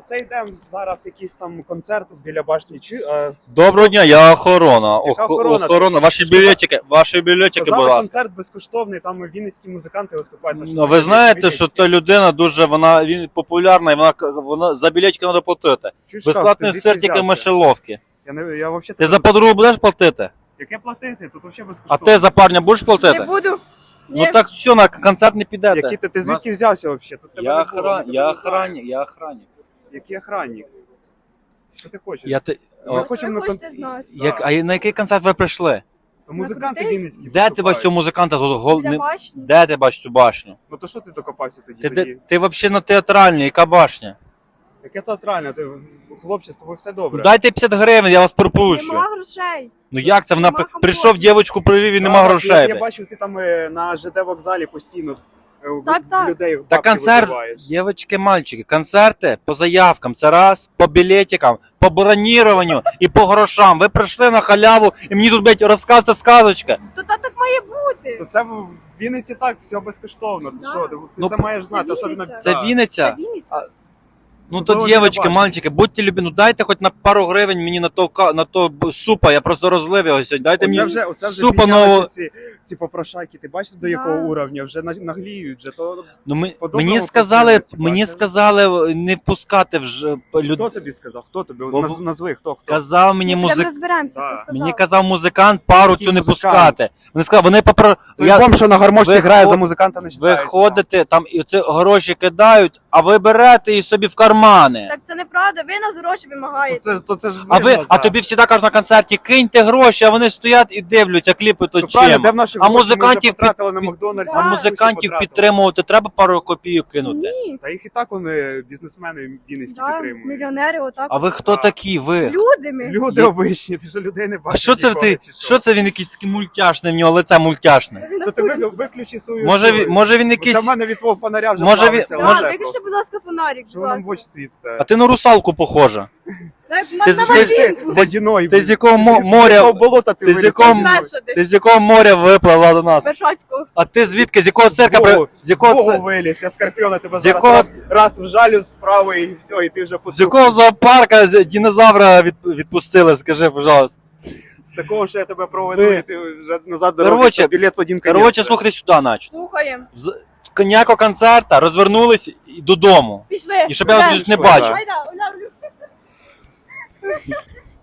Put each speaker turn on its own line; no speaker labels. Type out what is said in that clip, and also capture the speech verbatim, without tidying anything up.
Оце йдемо зараз якийсь там концерт біля башні. Чи, е,
Доброго дня, я охорона.
Яка
Ох,
охорона?
охорона. Ваші білетики, ваші білетики, будь
Казали,
ласка.
концерт безкоштовний, там вінницькі музиканти виступають. на
Ну, ви знаєте, що та людина дуже, вона він популярна, і вона, вона за білетики треба платити.
Чуєш,
Безплатний
ти звідки
сир тільки
взявся?
мишеловки.
Я, не, я вообще
Ти за подругу будеш платити?
Яке платити? Тут взагалі
А
безкоштовно.
ти за парня будеш
Не
платити?
буду.
Ну так все, на концерт не підете.
Які ти, ти звідки взявся взагалі? Тут тебе
Я,
не було,
охран...
ми тебе
я
не знаємо.
охранник, я охранник.
Який охранник? Що ти хочеш?
Я ти...
Ми
О,
хочемо
Що ви
на
хочете
кон-
з нас?
як... А на який концерт ви прийшли?
То музиканти
На
вінницькі
Де ти
виступають.
бачиш цього музиканта тут? Гол...
Для
не-
башні?
Де ти бачиш цю башню?
Ну то що ти докопався тоді?
Ти,
тоді?
ти, ти взагалі на театральній, яка башня?
Яке театральне? Ти, хлопче, з тобою все добре.
Ну, дайте п'ятдесят гривень, я вас пропущу.
Нема грошей.
Ну як це? Вона
Нема
п-
комфорту.
прийшов, дівчинку привів і нема
Так,
грошей.
Я, я
блядь.
бачив, ти там е, на ЖД вокзалі постійно е, в-
Так,
в
так.
людей
Та
бабки
концерт,
вибиваєш.
дівчатки, мальчики, концерти по заявкам, це раз, по білетикам, по броніруванню і по грошам. Ви прийшли на халяву і мені тут, блядь, розказуєте сказочки.
То та так має бути.
То це в Вінниці так, все безкоштовно. Ти
Да.
що, ти
Ну,
це маєш знати,
це
особливо.
Вінниця.
Це
Да.
Вінниця?
Це Вінниця.
Ну
Це
то,
було
дівчатки,
біля башні.
мальчики, будьте любі, ну дайте хоч на пару гривень мені на то, ка- на то б- супа, я просто розлив його сьогодні. Дайте
Оце
мені
вже, оце вже
супа
піднялися
нового.
ці, ці попрошайки. Ти бачиш, до
Да.
якого уровня? Вже на- нагліють. Вже. То,
Ну, ми,
По-доброму
мені сказали,
працюють,
мені
бачите?
сказали не пускати вже люд...
хто тобі сказав? Хто тобі?
Бо-
Наз, назви, хто? хто?
Казав мені
Ми прям
музик...
розберемося,
Да.
хто сказав.
Мені казав музикант пару
Який
цю не
музикант?
пускати. Вони сказали, вони попро...
Той
Я...
бомж, що на гармошці
ви
грає,
хо-
за музиканта не
Ви
вважається.
ходите, там і це гроші кидають, а ви берете і собі в кармани.
Так це неправда, ви нас гроші
То
вимагаєте.
це, то це ж
А ви,
видно,
а
за-
тобі завжди кажуть на концерті, киньте гроші, а вони стоять і дивляться, кліпи то
Ну, правильно,
чим.
де в наші
А
гроші? Ми вже
музикантів під-
потратили на
під-
Макдональдс.
Да.
А
ми
музикантів
потратили.
підтримувати треба пару копійок кинути.
Ні.
Та їх і так вони бізнесмени вінницькі
Да,
підтримують.
мільйонери отак.
А ви хто
А.
такі? Ви?
Люди ми.
Люди
Є-
обичні, ти що людей не
А
бачиш.
що це
ніколи,
ти?
чи
Що це він якийсь такий мультяшний, в нього лице мультяшне?
То ти ви- виключи свою...
Може,
свою-
він- може він
Бо Для
якийсь.
мене від твого фонаря вже
Може,
плавиться
він-
лише
Да,
може-
виключи,
просто.
будь ласка, фонарик,
Що
будь
ви нам в
ласка.
очі світите?
А ти на русалку похожа.
Дай,
Ти
на
з-
Мальвінку.
Водяной.
Ти з якого мо-
З
моря-
якого болота ти
ти з
виліз?
якого-
Водяной.
Перша ти.
Ти з якого моря виплила до нас?
Вершацького.
А ти звідки? З якого цирка? при-
Богу,
З якого
Богу
це-
виліз, я Скорпіона тебе
З
зараз
якого-
раз, раз вжалю справа і все, і ти вже
З якого зоопарка з- динозавра від, відпустили, скажи, пожалуйста.
З такого, що я тебе проведу,
Ви-
і ти вже назад дорогу,
Короче,
то білет в один конець.
Коротше, слухайте сюди, наче.
Слухаємо.
З ніякого концерта, розвернулись і додому.
Пішли.
І щоб я вас
Йдемо.
тут не
Пішли,
бачив.
да.
Гайда, Оля, Оля.